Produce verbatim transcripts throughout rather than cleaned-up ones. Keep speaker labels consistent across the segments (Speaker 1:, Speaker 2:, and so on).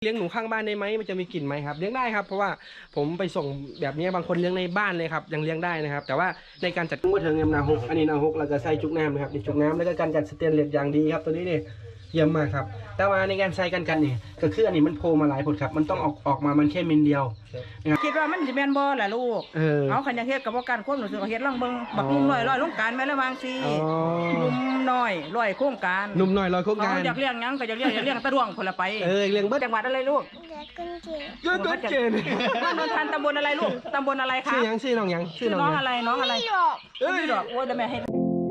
Speaker 1: เลี้ยงหนูข้างบ้านได้ไหมมันจะมีกลิ่นไหมครับเลี้ยงได้ครับเพราะว่าผมไปส่งแบบนี้บางคนเลี้ยงในบ้านเลยครับยังเลี้ยงได้นะครับแต่ว่าในการจัดเมื่อเทิงเอ็มนาฮกอันนี้นาฮกเราจะใส่จุกน้ำนะครับจุกน้ำแล้วก็การจัดสเตนเลสอย่างดีครับตัวนี้เนี่ยเยี่ยมมากครับแต่ว่าในการใส่กันกันเนี่ยก็คืออันนี้มันโผล่มาหลายผลครับมันต้องออกออกมามันแค่มิลเดียว
Speaker 2: คิดว่ามันจะแม่นบ่ล่ะลูกเออเอาขันยังเฮ็ดกับว่าการควบหนูสึกเฮ็ดล่องเบิ่งบักนุ่มน้อยร้อยโครงการแม่ละวางสินุ่มน้อยร้อยโครงการ
Speaker 1: นุ่มน้อยร้อยโครงการ
Speaker 2: อยากเลี้ยงยังก็อยากเลี้ยงอยากเลี้ยงตะดวงคนละไป
Speaker 1: เออเลี้ยงเบิด
Speaker 2: จังหวัดอะไรลูก
Speaker 1: เกิดต้นเกณฑ์
Speaker 2: บ้านนนทันตำบลอะไรลูกตำบลอะไรคะ
Speaker 1: ชื่อยังชื่อน้องยัง
Speaker 2: ชื่อน้องอะไรน้องอะไรเอ้ยดอกโอ้ยแต่แม่ให้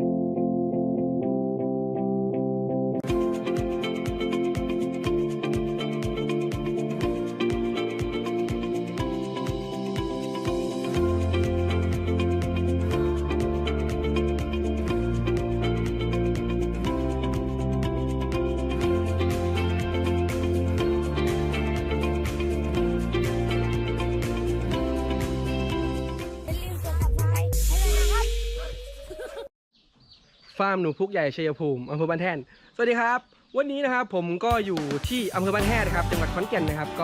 Speaker 1: ฟาร์มหนูพุกใหญ่ชัยภูมิอำเภอบ้านแท่นสวัสดีครับวันนี้นะครับผมก็อยู่ที่อำเภอบ้านแท่นนะครับจังหวัดขอนแก่นนะครับก็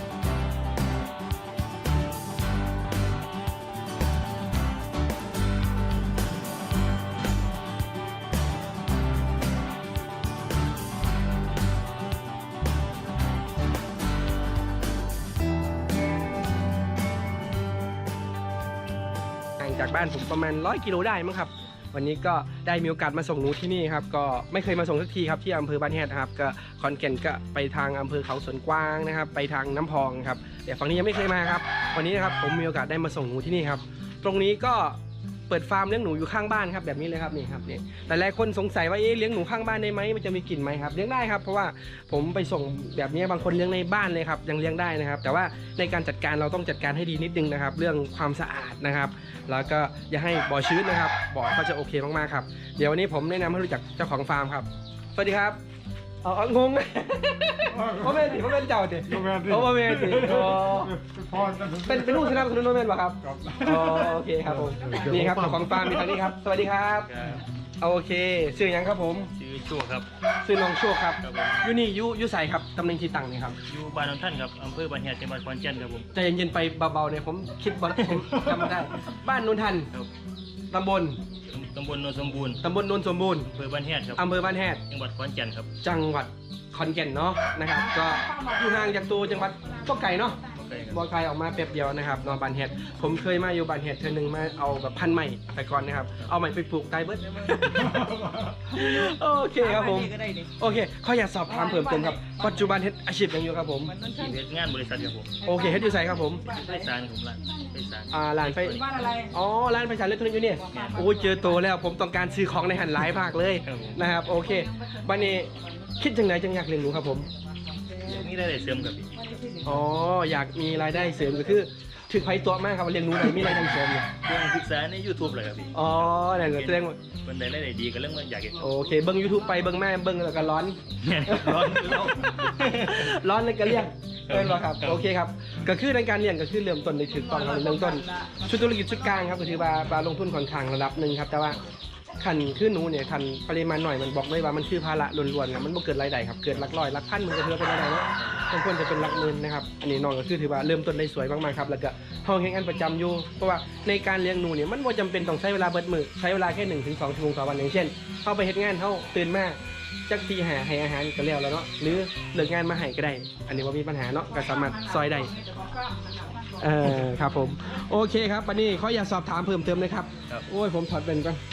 Speaker 1: ห่างจากบ้านผมประมาณร้อยกิโลได้มั้งครับวันนี้ก็ได้มีโอกาสมาส่งหนูที่นี่ครับก็ไม่เคยมาส่งสักทีครับที่อำเภอบ้านแฮดครับก็ขอนแก่นก็ไปทางอำเภอเขาสวนกวางนะครับไปทางน้ำพองครับแต่ฝั่งนี้ยังไม่เคยมาครับวันนี้นะครับผมมีโอกาสได้มาส่งหนูที่นี่ครับตรงนี้ก็เปิดฟาร์มเลี้ยงหนูอยู่ข้างบ้านครับแบบนี้เลยครับนี่ครับนี่แต่หลายคนสงสัยว่าเอ๊ะเลี้ยงหนูข้างบ้านได้ไหมมันจะมีกลิ่นไหมครับเลี้ยงได้ครับเพราะว่าผมไปส่งแบบนี้บางคนเลี้ยงในบ้านเลยครับยังเลี้ยงได้นะครับแต่ว่าในการจัดการเราต้องจัดการให้ดีนิดนึงนะครับเรื่องความสะอาดนะครับแล้วก็อย่าให้บ่อชื้นนะครับบ่อเขาจะโอเคมากๆครับเดี๋ยววันนี้ผมแนะนำให้รู้จักเจ้าของฟาร์มครับสวัสดีครับอ๋องงพ่อแม่สิพ่อแม่เจ้าสิพ่อแม่สิเป็นเป็นลูกชนะคุณนุ่นแม่ป่ะครับอ๋อโอเคครับผมนี่ครับเจ้าของฟาร์มมีทางนี้ครับสวัสดีครับโอเคชื่อยังครับผม
Speaker 3: ชื่อโชคครับ
Speaker 1: ชื่อน้องโชคครับยูนี่ยูยูใส่ครับตำแหน่งที่ตั้งนี่ครับ
Speaker 3: อยู่บ้านนนทันครับอำเภอบ้านแฮดจังหวัดขอนแก่นครับผม
Speaker 1: ใจเย็นๆไปเบาๆเนี่ยผมคิดบอลผมจำได้บ้านนนทันตำบล
Speaker 3: ตำบลโนนสมบูรณ์
Speaker 1: ตำบลโนนสมบูรณ์
Speaker 3: อำเภอบ้านแฮดครับ
Speaker 1: อำเภอบ้านแฮด
Speaker 3: จังหวัดขอนแก่นครับ
Speaker 1: จังหวัดขอนแก่นเนาะนะครับก็อยู่ห่างจากตัวจังหวัดก็ไก่เนาะบอลไกลออกมาแป๊บเดียวนะครับนอนบานเห็ดผมเคยมาอยู่บานเห็ดเธอหนึ่งมาเอาแบบพันใหม่แต่ก่อนนะครับเอาใหม่ไปปลูกไตเบิร์ดโอเคครับผมโอเคเขาอยากสอบถามเพิ่มเติมครับปัจจุบันเฮ็ดอาชีพยังอยู่ครับผม
Speaker 3: เฮ็ดงานบริษัทครับผม
Speaker 1: โอเคเฮ็ดอยู่ไสครับผม
Speaker 3: ไฟสารผมร้านไฟสาร
Speaker 1: อ่าร้านไฟอ๋อร้านไฟสารเล็กทนอยู่นี่โอ้ยเจอโตแล้วผมต้องการซื้อของในหันหลายภาคเลยนะครับโอเควันนี้คิดจังไหนจังอยากเรียนรู้ครับผม
Speaker 3: นี่ได้เสริมกับ
Speaker 1: อ๋ออยากมีรายได้เสริมก็คือถึงไฟตัวมากครับเรียนรู้อะไรมีรายได้เสริมอยู่
Speaker 3: เรื่องศึกษาใน ยูทูบ เลยครับพี่
Speaker 1: อ๋อนั่นก็แสดงว่า
Speaker 3: คนใดได้ดีก็เรื่องมันอยากเห็น
Speaker 1: โอเคเบิ้ง ยูทูบ ไปเบิ้งแม่เบิ้งแล้วก็ร้อน
Speaker 3: ร้อน
Speaker 1: ร้อนเลยก็เรียกเป็นหรอครับโอเคครับก็คือในการเรียนก็คือเริ่มต้นในถึงตอนเริ่มต้นชุดธุรกิจชุดกลางครับก็คือว่าบาลงทุนค่อนข้างระดับหนึ่งครับแต่ว่าขันขึ้นหนูเนี่ยขันปริมาณหน่อยมันบอกเลยว่ามันคือภาระล้วนๆครับมันบ่เกิดรายได้ครับเกิดหลักร้อยหลักพันมันก็ถือเป็นรายได้เนาะบางคนจะเป็นหลักหมื่นนะครับอันนี้น้องก็คือถือว่าเริ่มต้นได้สวยมากๆครับแล้วก็ห้องแข่งขันประจำอยู่เพราะว่าในการเลี้ยงหนูเนี่ยมันบ่จำเป็นต้องใช้เวลาเบิดมือใช้เวลาแค่หนึ่งถึงสองชั่วโมงต่อวันอย่างเช่นเข้าไปเฮ็ดงานเข้าตื่นมาจักตีหาให้อาหารก็แล้วแล้วเนาะหรือเลิกงานมาให้ก็ได้อันนี้ว่ามีปัญหาเนาะก็สามารถซอยได้เออครับผมโอเคครับวันนี้เขาอยากสอบถามเพิ่มเติมเลยครับโอ้ยผมถอดเป็นก่อน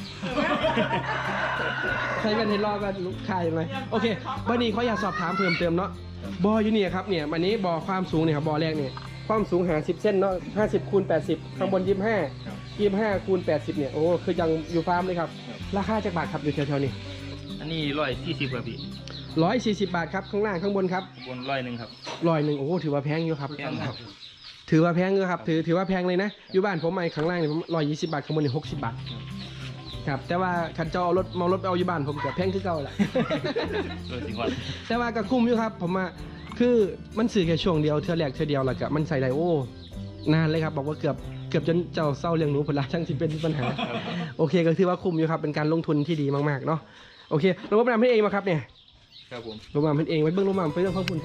Speaker 1: ใช้เป็นเทลอก็ลูกชายไหมโอเควันนี้เขาอยากสอบถามเพิ่มเติมเนาะบออยู่เนี่ยครับเนี่ยวันนี้บอความสูงเนี่ยครับบอแรกเนี่ยความสูงหาสิบเส้นเนาะห้าสิบคูณแปดสิบข้างบนยี่สิบห้ายี่สิบห้าคูณแปดสิบเนี่ยโอ้คือยังอยู่ฟาร์มเลยครับราคาจากบาทครับอยู่แถวๆนี้
Speaker 3: อันนี้ร้อยสี่สิบครับพี่
Speaker 1: ร้อยสี่สิบบาทครับข้างล่างข้างบนครับ
Speaker 3: บนร้อยหนึ่งครับ
Speaker 1: ร้อยหนึ่งโอ้ถือว่าแพงอยู่ครับถือว่าแพงอยู่ครับถือถือว่าแพงเลยนะอยู่บ้านผมไอ้ข้างล่างเนี่ยผมร้อยยี่สิบบาทข้างบนเนี่ยหกสิบบาทครับแต่ว่าคันเจ้าเอารถมารถเอาอยู่บ้านผมก็แพงคือเก่าแหละแต่ว่าก็คุ้มอยู่ครับผมว่าคือมันสื่อแค่ช่วงเดียวเท่าแรกเท่าเดียวแล้วก็มันใส่ได้โอ้นานเลยครับบอกว่าเกือบเกือบจนเจ้าเศร้าเลี้ยงหนูผลละช่างที่เป็นปัญหาโอเคก็ถือว่าคุ้มอยู่ครับเป็นการลงทุนที่ดีมากๆเนาะโอเคระบบน้ำให้เองมาครับเนี่ย
Speaker 3: ครับผม
Speaker 1: โรงพยาบาลเป็นเองไว้เบื้องโรงพยาบาลเป็นเรื่องของคุณครับ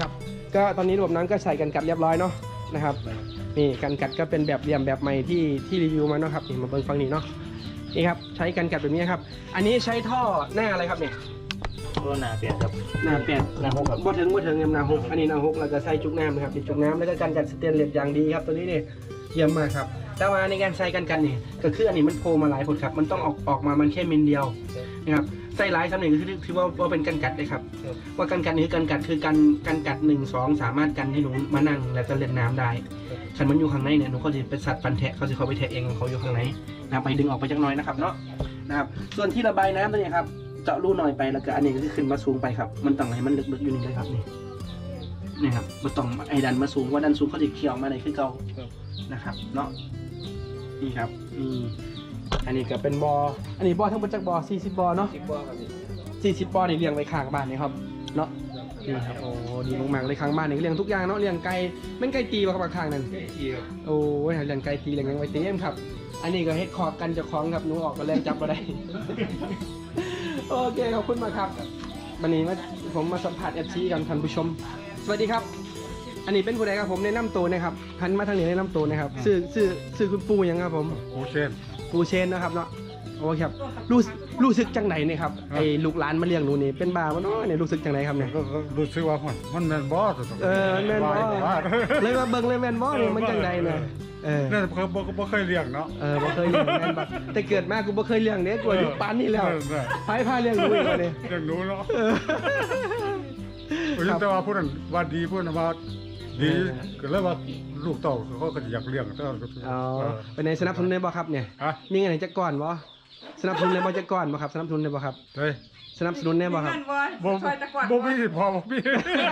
Speaker 1: ก็ตอนนี้ระบบน้ำก็ใส่กันกัดเรียบร้อยเนาะนะครับนี่กันกัดก็เป็นแบบเหลี่ยมแบบใหม่ที่ที่รีวิวมาเนาะครับนี่มาเบิ่งฟังนี่เนาะนี่ครับใช้กันกัดแบบนี้ครับอันนี้ใช้ท่อหน้าอะไรครับเนี่ย
Speaker 3: ตัวหนาเปลี่ยนครับ
Speaker 1: หน้าแปด
Speaker 3: หนาหกครับ
Speaker 1: บ่ถึงบ่ถึงเงินหน้าหกอันนี้หน้าหกเราจะใส่จุกน้ำนะครับเป็นจุกน้ำแล้วก็กันกัดสเตนเลสอย่างดีครับตัวนี้เนี่ยเยี่ยมมากครับแต่ว่าในการใส่กันกันนี่ก็คืออันนี้มันโผล่มาหลายผลครับมันต้องออกออกมามันแค่มิลเดียวนะครับใส่หลายสำเนียงก็คือถือว่าว่าเป็นกันกัดเลยครับว่ากันกัดนี่คือกันกัดคือกันกันกัดหนึ่งสองสามารถกันให้หนูมานั่งแล้วก็เล่นน้ำได้ฉันมันอยู่ข้างในเนี่ยหนูเขาจะเป็นสัตว์ฟันแทะเขาจะเขาไปแทะเองของเขาอยู่ข้างในนะไปดึงออกไปจักหน่อยนะครับเนาะนะครับส่วนที่ระบายน้ำตัวนี้ครับเจาะรูหน่อยไปแล้วก็อันนี้ก็คือขึ้นมาสูงไปครับมันต้องให้มันลึกๆอยู่นี่เลยครับนี่นี่ครับมันต้องไอ้ดันมาสูงว่าดันสูงเขาจะเขี่ยวมาในคือเก่านะครับเนาะนี่ครับนี่อันนี้ก็เป็นบออันนี้บอทั้งหมดจากบอสี่สิบบอเนาะ
Speaker 3: สิบบ่ครับพี่
Speaker 1: สี่สิบปอนด์นี่เลี้ยงไว้ข้างบ้านนี่ครับเนาะนี่ครับโอ้ดีมากๆเลยข้างบ้านนี่เลี้ยงทุกอย่างเนาะเลี้ยงไก่แม่นไก่ตีบ่ครับข้างนั้น
Speaker 3: ที่ครับ
Speaker 1: โอ้ยเลี้ยงไก่ตีเลี้ยงยังไว้เต็มครับอันนี้ก็เฮ็ดคอกกันเจะคล้าของครับหนูออกก็แรงจับมาได้ โอเคขอบคุณมากครับวันนี้มาผมมาสัมผัสเอฟซีกันท่านผู้ชมสวัสดีครับ อันนี้เป็นผู้ใดครับผมแนะนำตัวนะครับหันมาทางนี้แนะนำตัวนะครับชื่อชื่อชื่อคุณปูยังครับผม
Speaker 4: โอเชน
Speaker 1: ปูเชนนะครับเนาะโอ้ครับรู้รู้สึกจังไหนเนี่ยครับไอ้ลูกหลานมาเลี้ยงหนูนี่เป็นบ้าบ่เนาะเนี่ยรู้สึกจังไหนครับเนี่ย
Speaker 4: ก็ก็รู้สึกว่ามันมันแมนบอส
Speaker 1: เออแม่นบ่เลยมาเบิ่งเลยแม่นบ่เนี่ยมันจังใดเนี่ยเออ
Speaker 4: นั่นเคยบ่บ่เคยเลี้ยงเนาะ
Speaker 1: เออบ่เคยเลี้ยงแม่นบ่แต่เกิดมากูบ่เคยเลี้ยงเด้กูอายุปานนี้แล้วไผพาเลี้ยงหนูอีกแล้วเนี่ย
Speaker 4: เลี้ยงหนูเนาะ
Speaker 1: เออ
Speaker 4: ผมแต่ว่าผู้นั้นว่าดีผู้นั้นว่าดีก็เลยว่าลูกเต่าเขาก็อยากเลี้ยงแต่ว่า
Speaker 1: อ๋อเป็นในสนับสนุนได้บ่ครับเนี่ย
Speaker 4: ฮะ
Speaker 1: มีเงินให้จักก่อนบ่สนับสนุนได้บ่จักก่อนบ่ครับสนับสนุนได้บ่ครับ
Speaker 4: เฮ้ย
Speaker 1: สนับสนุนได้บ่ครับ
Speaker 4: บ่
Speaker 2: ช่วยตะกวาด
Speaker 4: บ่มีพอบ่มี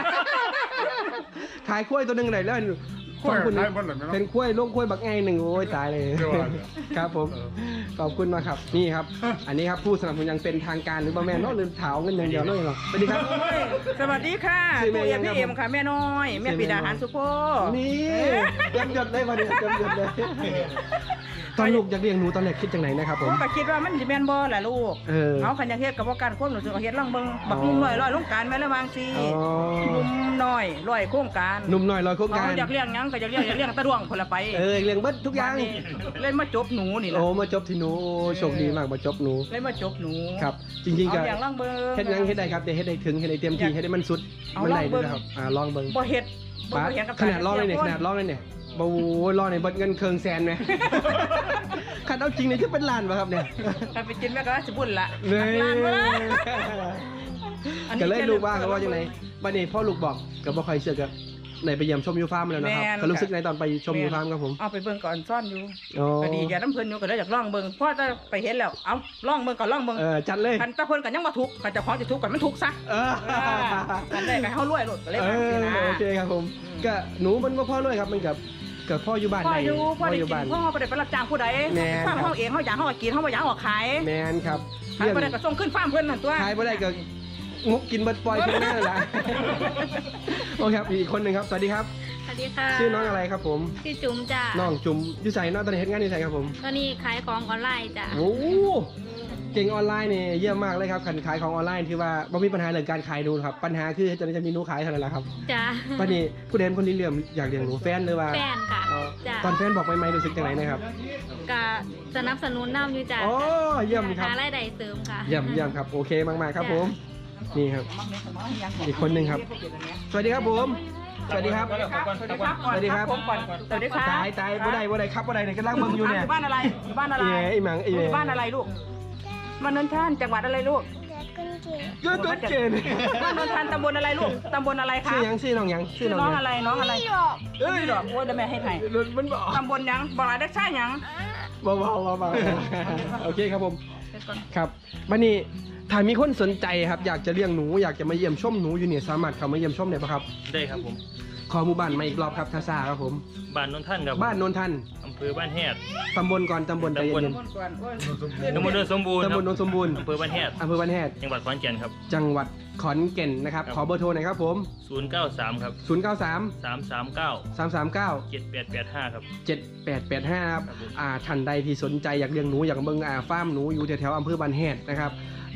Speaker 1: ขายกล้วยตัวหนึงได้แล้ว
Speaker 4: กล้วย
Speaker 1: ขอบคุณ
Speaker 4: ขายหมดเลยไหมเนาะ
Speaker 1: เป็นกล้วยลงกล้วยบักไงหนึ่งโอ้ยตายเลย
Speaker 4: เดี๋ยวว่า
Speaker 1: ครับผม ขอบคุณมากครับนี่ครับ อันนี้ครับผู้สนับสนุนอยังเป็นทางการหรือบ่แม่นเนาะหรือเถาเงินอย่างเดียวเนาะหรอกสวัสดีครับ
Speaker 2: สวัสดีค่ะ
Speaker 1: ชื่อแม่
Speaker 2: ปู่
Speaker 1: ยั
Speaker 2: เอ็
Speaker 1: ง
Speaker 2: ม
Speaker 1: ครับ
Speaker 2: พี่เอ็มค่ะแม่น้อยแม่ปิดาหารสุโภ
Speaker 1: นี่เต็มยศเลยมาเนี่ยเต็มยศเลยตอนลูกอยากเลี้ยงหนูตอนแรกคิดจังไหนนะครับผ
Speaker 2: ผม มก็คิดว่ามันสิแม่นบ่ล่ะลูก
Speaker 1: เออ
Speaker 2: เอาคันอยากเฮ็ดก็บ่กันความรู้สึกเอาเฮ็ดลองเบิ่งบักนุ่มน้อยร้อยลงการแม่ละวางสิ
Speaker 1: อ๋อ
Speaker 2: นุ่มน้อยร้อยโครงการ
Speaker 1: หนุ่มหน่อยลอยโครงการ
Speaker 2: เขาอยากเลี้ยงหยังก็อยากเลี้ยงอยากเลี้ยงตะดวงคนละไป
Speaker 1: เออเลี้ยงเบิดทุกอย่าง
Speaker 2: บัดนี้เล่นมาจบหนูนี่ล่ะ
Speaker 1: โอ้มาจบที่หนูโอ้โชคดีมากมาจบหนู
Speaker 2: เล่นมาจบหนู
Speaker 1: ครับ จริงๆก็
Speaker 2: เอาอย่างลองเบิ่ง
Speaker 1: เฮ็ดหยังเฮ็ดได้ครับแต่เฮ็ดได้ถึงเฮ็ดได้เต็มที่เฮ็ดได้มันสุด
Speaker 2: เอา
Speaker 1: มันได้
Speaker 2: ลองเบิ่
Speaker 1: ด้วย
Speaker 2: ง
Speaker 1: นะครับอ่าลองเบิ่ง
Speaker 2: บ่เฮ็ดบ่
Speaker 1: ป้า
Speaker 2: บ่เฮ็ดกับ
Speaker 1: ขนาดลองเลยเนี่ยขนาดลองเลยเนี่ยบ่โอ้ยลองเนี่ยเบิดเงินเคืองแสนไหม คันเอาจริงเนี่ยจะเป็นล้านป่ะครับเนี่ย
Speaker 2: ถ้าไปกินแม่ก็สิบุญละ
Speaker 1: เนย
Speaker 2: ล้านบ่ล่ะ อันนี้
Speaker 1: ก็เลย
Speaker 2: แค่
Speaker 1: ลูกว่าเขาว่า
Speaker 2: เริ่
Speaker 1: จั
Speaker 2: ม
Speaker 1: งไง
Speaker 2: ต้น
Speaker 1: บัดนี้พ่อลูกบอกก็บ่ค่อยเชื่อกับไหนไปเยี่ยมชมยูฟาร์มมาแล้วนะครับ
Speaker 2: แม่น
Speaker 1: ก็รู้สึกในตอนไปชม
Speaker 2: แม่น
Speaker 1: ยูฟาร์มครับผม
Speaker 2: เอาไปเบิ่งก่อนซ่อนอยู่
Speaker 1: อ๋อ
Speaker 2: ก็ดีอย่าน้ำเพิ่นอยู่ก็เลยอยากลองเบิ่งเพราะจะไปเห็นแล้วเอาลองเบิ่งก่อนลองเบิ่ง
Speaker 1: เออจัดเลย
Speaker 2: คันตะเพิ่นก็ยังบ่ทุกข์คันเจ้าของสิทุกข์ก็มันทุกข์ซะ
Speaker 1: เออ
Speaker 2: คันได้ก็ให้เฮารวยโลดก็เลย
Speaker 1: เอ
Speaker 2: ว่าสินะ
Speaker 1: อโอเคครับผมก็หนูมันก็พ่อเลยครับมันกับกับพ่ออยู่บ้าน
Speaker 2: พ่อ
Speaker 1: ใด
Speaker 2: อยู่พ่อได้
Speaker 1: อยู่
Speaker 2: กิ
Speaker 1: บ้าน
Speaker 2: นพ่อบ่ได้ไปรับจ้างผู้ใด
Speaker 1: แม่น
Speaker 2: ฟาร์มเฮาเองเฮาอยากเฮาก็กินเฮาบ่อยากเฮาก็ขาย
Speaker 1: แมนครับ
Speaker 2: คันบ่ได้ก็ส่งขึ้นฟาร์มเพิ่นนั่นตัว
Speaker 1: ขายบ่ได้ก็งกกินเบิดปล่อยเพิ่นนั่นแหละ โอเคครับอีกคนหนึ่งครับสวัสดีครับ
Speaker 5: สวัสดีค่ะ
Speaker 1: ชื่อน้องอะไรครับผม
Speaker 5: ชื่อจุ๋มจ้ะ
Speaker 1: น้องจุ๋มอยู่ใส่น้องตอนนี้เฮ็ดงานอยู่ใส่ครับผม
Speaker 5: ตอนนี้ขายของออนไลน์จ้ะ
Speaker 1: โอ้เก่งออนไลน์เนี่ยเยี่ยมมากเลยครับการขายของออนไลน์ที่ว่าไม่มีปัญหาเรื่องการขายหนูครับปัญหาคือจะจะมีหนูขายเท่านั้นแหละครับ
Speaker 5: จ้ะ
Speaker 1: ปันนี้ผู้เด่นคนที่เลื่อมอยากเลี้ยงหนูแฟนเลยว่า
Speaker 5: แฟนค่ะ
Speaker 1: อ๋อ
Speaker 5: จ้ะ
Speaker 1: ตอนแฟนบอกไม่ไม่รู้สึกจังไหนนะครับ
Speaker 5: กะสนับสนุนน้ำอยู่จ้ะ
Speaker 1: โอ้เยี่ยมครับ
Speaker 5: หารายได้เสริมค่ะ
Speaker 1: เยี่ยมเยี่ยมครับโอเคมากๆครับผมนี่ครับ อีกคนหนึ่งครับ สวัสดีครับผมสวัสดีครับ
Speaker 2: สวัสดีครับ
Speaker 1: สวัสดีครับ
Speaker 2: ผมก่อนสวัสดีครับ
Speaker 1: ตายตายบ่ได้บ่ได้ครับบ่ได้เนี่ยกำลังเบิ่งอยู่เนี่ย
Speaker 2: อยู่บ้านอะไรอยู่บ้านอะไร
Speaker 1: เอ๋ไอ้หมังไอ้
Speaker 2: อ
Speaker 1: เอ๋
Speaker 2: ยู่บ้านอะไรลูกบ้านนนท่านจังหวัดอะไรลูก
Speaker 1: ก็ต้นเจน
Speaker 2: บ้านนนทันตำบลอะไรลูกตำบลอะไรคะ
Speaker 1: ชื่อหยังชื่อน้องหยัง
Speaker 2: ชื่อน้องอะไรน้องอะไร
Speaker 1: เอ้ย
Speaker 2: ดอกโอ้ยเดี๋ยวแม่ให้ไทย
Speaker 1: มันบอก
Speaker 2: ตำบลหยังบอกอะไรได้ใช่หยัง
Speaker 1: เบาๆเบาๆโอเคครับผมครับวันนี้ถ้ามีคนสนใจครับอยากจะเลี้ยงหนูอยากจะมาเยี่ยมชมหนูอยู่เนี่ยสามารถเข้ามาเยี่ยมชมได้ปะครับ
Speaker 3: ได้ครับผม
Speaker 1: ขอหมู่บ้านมาอีกรอบครับทาซาครับผม
Speaker 3: บ้านนนท่านครับ
Speaker 1: บ้านโนนทัน
Speaker 3: อำเภอบ้านแฮด
Speaker 1: ตำบลก่อนตำบลใจ
Speaker 3: ตำบล
Speaker 1: เย็น
Speaker 2: ตำบลก่อนโอ้ย
Speaker 3: ตำบลโดนสมบูรณ์
Speaker 1: ๆ
Speaker 3: ค
Speaker 1: ตำ
Speaker 3: รั
Speaker 1: บบ ลโนนสมบูรณ์
Speaker 3: อำเภอบ้านแฮด
Speaker 1: อำเภอบ้านแฮด
Speaker 3: จังหวัดขอนแก่นครับ
Speaker 1: จังหวัดขอนแก่นนะครับ
Speaker 3: ครับ
Speaker 1: ขอเบอร์โทรหน่อยครับผม
Speaker 3: ศูนย์เก้าสามครับ
Speaker 1: ศูนย์ เก้า สาม
Speaker 3: สามสามเก้า
Speaker 1: สาม สาม เก้า
Speaker 3: เจ็ดแปดแปดห้าครับ
Speaker 1: เจ็ดแปดแปดห้าครับ
Speaker 3: ครับผม
Speaker 1: อ่าท่านใดที่สนใจอยากเลี้ยงหนูอยากเบิ่งอ่าฟาร์มหนูอยู่แถวๆอำเภอบ้านแฮดนะครับ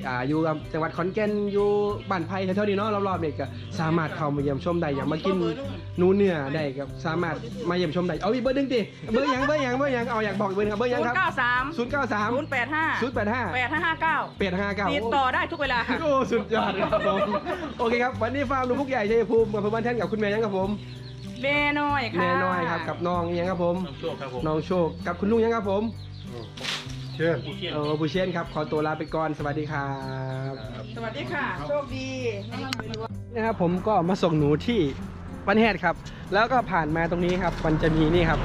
Speaker 1: อ่าอยู่กับจังหวัดขอนแก่นอยู่บ้านไผ่แถวๆนี้เนาะรอบๆเนี่ยก็สามารถเข้ามาเยี่ยมชมได้อย่างมากินหนูเนื้อได้ก็สามารถมาเยี่ยมชมได้เอาอีกเบอร์หนึงดิเบอร์หยังเบอร์หยังเบอร์หยังเอาอยากบอกอีกเบอร์หนึงครับเบอร์หยังครับ
Speaker 2: เก้าสาม
Speaker 1: ศูนย์เก้าสาม
Speaker 2: ศูนย์แปดห้า
Speaker 1: ศูนย์แปดห้า
Speaker 2: แปดห้าห้าเก้า
Speaker 1: แปดห้าเก้า
Speaker 2: ติดต่อได้ทุกเวลาค่ะ
Speaker 1: โอ้สุดยอดครับผมโอเคครับวันนี้ฟาร์มลุงพุกใหญ่ชัยภูมิกับเพื่อนบ้านแท่นกับคุณแม่ยังครับผม
Speaker 2: แม่น้อยค่ะ
Speaker 1: แม่น้อยครับกับน้องยังครับผม
Speaker 3: น้ำโชคครับผม
Speaker 1: น้องโชคกับคุณลุงยังครับผม
Speaker 4: เช่น
Speaker 3: ผู้เชี่ยว
Speaker 1: เออผู้เชี่ยนครับขอตัวลาไปก่อนสวัสดีครับ
Speaker 2: สวัสดีค่ะ โชคดี
Speaker 1: นะครับผมก็มาส่งหนูที่บ้านแฮดครับ แล้วก็ผ่านมาตรงนี้ครับมันจะมีนี่ครับ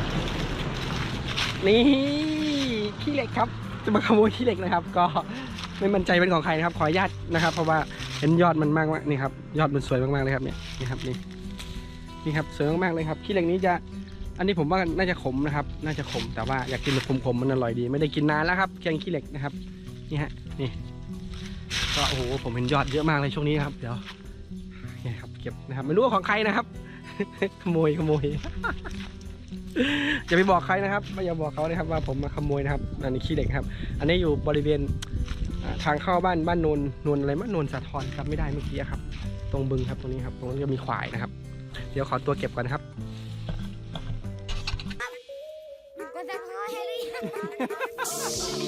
Speaker 1: นี่ขี้เหล็กครับจะมาขโมยขี้เหล็กนะครับ ก็ไม่มั่นใจเป็นของใครนะครับขออนุญาตนะครับ เพราะว่าเห็นยอดมันมากมากนี่ครับยอดมันสวยมากๆเลยครับเนี่ยนี่ครับนี่นี่ครับสวยมากๆเลยครับขี้เหล็กนี้จะอันนี้ผมว่าน่าจะขมนะครับ น่าจะขมแต่ว่าอยากกินแบบขมๆมันอร่อยดี ไม่ได้กินนานแล้วครับแกงขี้เหล็กนะครับนี่ฮะนี่ก็โอ้โหผมเห็นยอดเยอะมากเลยช่วงนี้ครับเดี๋ยวนี่ครับเก็บนะครับไม่รู้ว่าของใครนะครับ ขโมยขโมย อย่าไปบอกใครนะครับไม่อย่าบอกเขานะครับว่าผมมาขโมยนะครับอันนี้ขี้เหล็กครับ อันนี้อยู่บริเวณอ่าทางเข้าบ้านบ้านนนนนอะไรมะนนสาทรครับไม่ได้เมื่อกี้ครับ ตรงบึงครับตรงนี้ครับตรงนี้จะมีควายนะครับ เดี๋ยวขอตัวเก็บก่อนนะครับ
Speaker 6: ก็จะพอให้หรือยัง